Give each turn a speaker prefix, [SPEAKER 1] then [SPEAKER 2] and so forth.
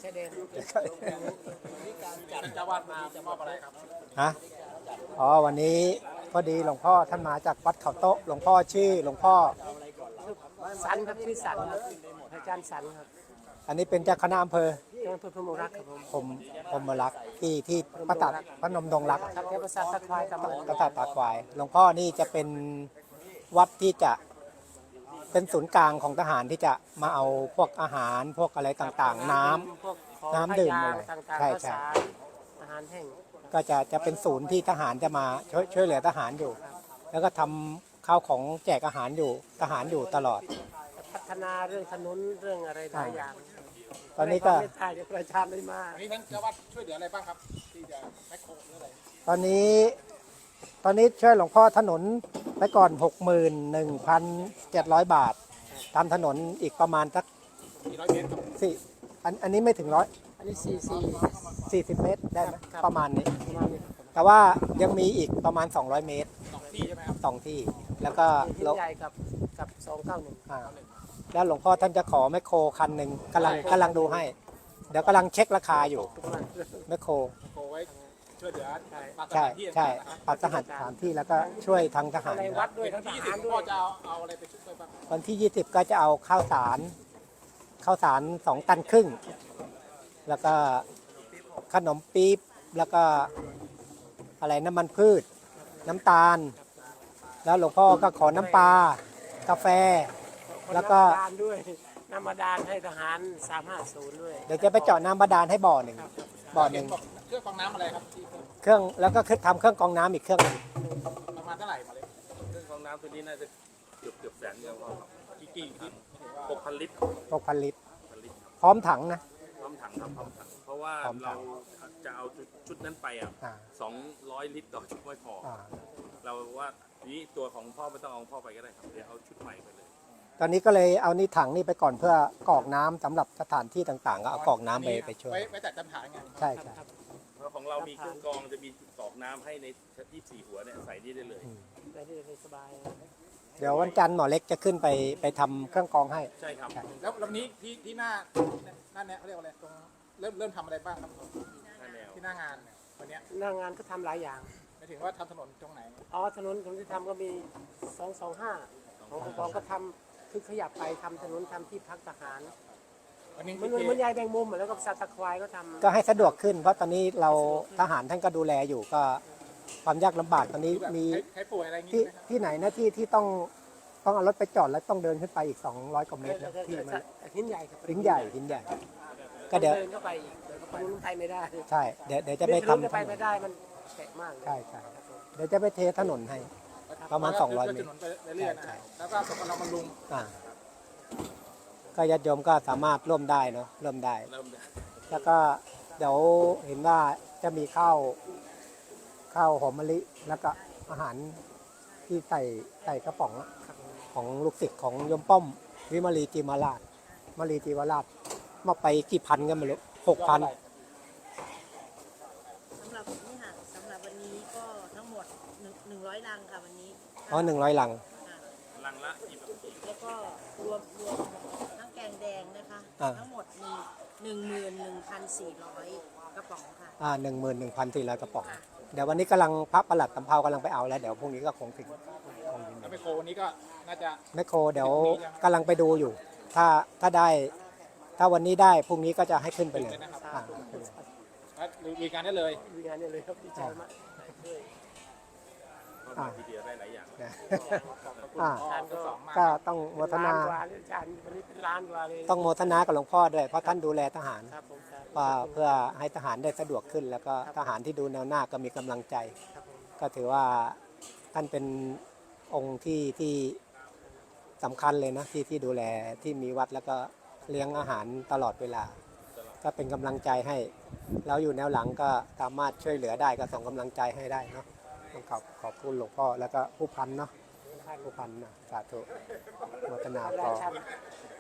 [SPEAKER 1] ชายแดนจัดเจ้าวาดมาจะมอบอะไรครับ
[SPEAKER 2] ฮะอ๋อวันนี้พอดีหลวงพ่อท่านมาจากวัดเขาโต๊ะหลวงพ่อชื่อหลวงพ่อ
[SPEAKER 1] สันครับชื่อสันครับอาจารย์สันครับ
[SPEAKER 2] อันนี้เป็นเจ้าคณะอำเภอ
[SPEAKER 1] พมรักครับ
[SPEAKER 2] ผมรักที่พระนมดงรัก
[SPEAKER 1] ครับเทพศาสตร์ตะควายครับ
[SPEAKER 2] พระตาตาควายหลวงพ่อนี่จะเป็นวัดที่จะเป็นศูนย์กลางของทหารที่จะมาเอาพวกอาหารพวกอะไรต่างๆน้ำดื่มอะไรใช่
[SPEAKER 1] อาหารแห้ง
[SPEAKER 2] ก็จะเป็นศูนย์ที่ทหารจะมาช่วยเหลือทหารอยู่แล้วก็ทำข้าวของแจกอาหารอยู่ทหารอยู่ตลอด
[SPEAKER 1] พัฒนาเรื่องถนนเรื่องอะไรหลายอย่าง
[SPEAKER 2] ตอนนี้ก็
[SPEAKER 1] ถ่ายจากประชาชนได้มา
[SPEAKER 3] อันนี้ท่านเจ้าวัดช่วยเหลืออะไรบ้างครับที่จะแมคโครหรืออะไร
[SPEAKER 2] ตอนนี้ช่วยหลวงพ่อถนนไปก่อน 61,700 บาททำถนนอีกประมาณสัก
[SPEAKER 3] 400 เมตรครับ
[SPEAKER 2] อันนี้ไม่ถึงร้อย
[SPEAKER 1] อันนี้
[SPEAKER 2] 40 เมตรได้ไหมประมาณนี้แต่ว่ายังมีอีกประมาณ200 เมตร
[SPEAKER 3] 2 ที่ใช่ไหมครับ
[SPEAKER 2] 2 ที่แล้วก็
[SPEAKER 1] ใหญ่กับ291
[SPEAKER 2] แล้วหลวงพ่อท่านจะขอแมคโครคันหนึ่งกำลังดูให้เดี๋ยวกำลังเช็คราคาอยู่แมคโคร
[SPEAKER 3] ไว้ช่วยเหลือ
[SPEAKER 2] ใช่ปัดสถานที่แล้วก็ช่วยทางทหาร
[SPEAKER 1] วัดด้วยทั้งทหารด้วย
[SPEAKER 3] จะเอาอะไรไปช่วยบ้าง
[SPEAKER 2] วันที่20ก็จะเอาข้าวสาร2 ตันครึ่งแล้วก็ขนมปี๊บแล้วก็อะไรน้ำมันพืชน้ำตาลแล้วหลวงพ่อก็ขอน้ำปลากาแฟแล้วก็
[SPEAKER 1] ด้วยน้ำบาดาลให้ทหาร350ด้วย
[SPEAKER 2] เดี๋ยวจะไปเจาะน้ำบาดาลให้บ่อหนึ่ง
[SPEAKER 3] เครื่องกรองน้ำอะไรครับ
[SPEAKER 2] เครื่องแล้วก็ทำเครื่องกรองน้ำอีกเครื่องนึง
[SPEAKER 3] ประมาณเท่าไหร่มาเลย
[SPEAKER 4] เครื่องกรองน้ำตัวนี้น่าจะเกือบแสนเดียวครับกี่6,000 ลิตร
[SPEAKER 2] 6,000 ลิตรพร้อมถังนะ
[SPEAKER 4] พร้อมถังครับพร้อมถังเพราะว่าเราจะเอาชุดนั้นไป200 ลิตรต่อชุดไม่พอเราว่านี้ตัวของพ่อไม่ต้องเอาพ่อไปก็ได้ครับเดี๋ยวเอาชุดใหม่ไปเลย
[SPEAKER 2] ตอนนี้ก็เลยเอานี่ถังนี่ไปก่อนเพื่อกรอกน้ำสำหรับสถานที่ต่างๆก็เอากรอกน้ำไปช่วย
[SPEAKER 3] ไว้แต่จำฐานไง
[SPEAKER 2] ใช่
[SPEAKER 4] เพราะของเรามีเครื่องกรองจะมีกรอกน้ำให้ใน24 หัวเนี่ยใส่นี่ได้เลย
[SPEAKER 1] ได้เลยสบาย
[SPEAKER 2] เดี๋ยววันจันทร์หมอเล็กจะขึ้นไปทำเครื่องกรองให้
[SPEAKER 4] ใช่ครับ
[SPEAKER 3] แล้วลำนี้ที่หน้าเนี่ยเขาเรียกว่าอะไรตรงเริ่มทำอะไรบ้างครับที่หน้างานวันนี้
[SPEAKER 1] หน้างานก็ทำหลายอย่าง
[SPEAKER 3] หมายถึงว่าทำถนนตรงไหน
[SPEAKER 1] ถนนที่ทำก็มี225ของกองก็ทำคือขยับไปทำถนนทำที่พักทหารมันใหญ่แบ่งมุมแล้วก็สัตว์ตะควายก็ทำ
[SPEAKER 2] ก็ให้สะดวกขึ้นเพราะตอนนี้เราทหารท่านก็ดูแลอยู่ก็ความยากลำบากตอนนี้มีที่ไหนนะที่ต้องเอารถไปจอดแล้วต้องเดินขึ้นไปอีก200 กว่าเมตรที่มัน
[SPEAKER 1] หินใหญ่
[SPEAKER 2] ก็เดี๋ยว
[SPEAKER 1] เข้าไปอีกไปไม่ได้
[SPEAKER 2] ใช่เดี๋ยวจะไปทำ
[SPEAKER 1] ไปไม่ได้มันแฉะมาก
[SPEAKER 2] ใช่เดี๋ยวจะไปเทถนนให้ประมาณ200 เมตร
[SPEAKER 3] แล้วก็สกลบำรุง
[SPEAKER 2] ก็ญาติโยมก็สามารถร่วมได้เนาะร่วมได้แล้วก็เดี๋ยวเห็นว่าจะมีข้าวหอมมะลิแล้วก็อาหารที่ใส่กระป๋องของลูกศิษย์ของโยมป้อมวิมาลีจีวราชมาไปกี่พันกันไม่รู้6,000
[SPEAKER 5] สำหรับนี่ค่ะสำหรับวันนี้ก็ทั้งหมด100 ลังค่ะวันนี้
[SPEAKER 2] 100 ลัง
[SPEAKER 4] ลังละ
[SPEAKER 5] แล้วก็รวมทั้งแกงแดงนะคะทั้งหมด11,400 กระป๋องค่ะ
[SPEAKER 2] 11,400 กระป๋องเดี๋ยววันนี้กำลังพระประหลัดสำเภากำลังไปเอาแล้วเดี๋ยวพรุ่งนี้ก็คงถึง
[SPEAKER 3] แล้วไมโครวันนี้ก็น่าจะ
[SPEAKER 2] ไมโครเดี๋ยวกำลังไปดูอยู่ถ้าได้ถ้าวันนี้ได้พรุ่งนี้ก็จะให้ขึ้นไปเลย
[SPEAKER 3] มีการได้เลย
[SPEAKER 1] ครับดีใจมาก
[SPEAKER 4] ทีเดียวได้หลายอย่าง
[SPEAKER 2] ก็ต้องโมทนาต้องโมทนากับหลวงพ่อด้วยเพราะท่านดูแลทหารเพื่อให้ทหารได้สะดวกขึ้นแล้วก็ทหารที่ดูแนวหน้าก็มีกำลังใจก็ถือว่าท่านเป็นองค์ที่สำคัญเลยนะที่ดูแลที่มีวัดแล้วก็เลี้ยงอาหารตลอดเวลาก็เป็นกำลังใจให้เราอยู่แนวหลังก็สามารถช่วยเหลือได้ก็ส่งกำลังใจให้ได้เนาะต้องขอบคุณหลวงพ่อแล้วก็ผู้พันเนาะผู้พันนะสาธุโมทนาต่อ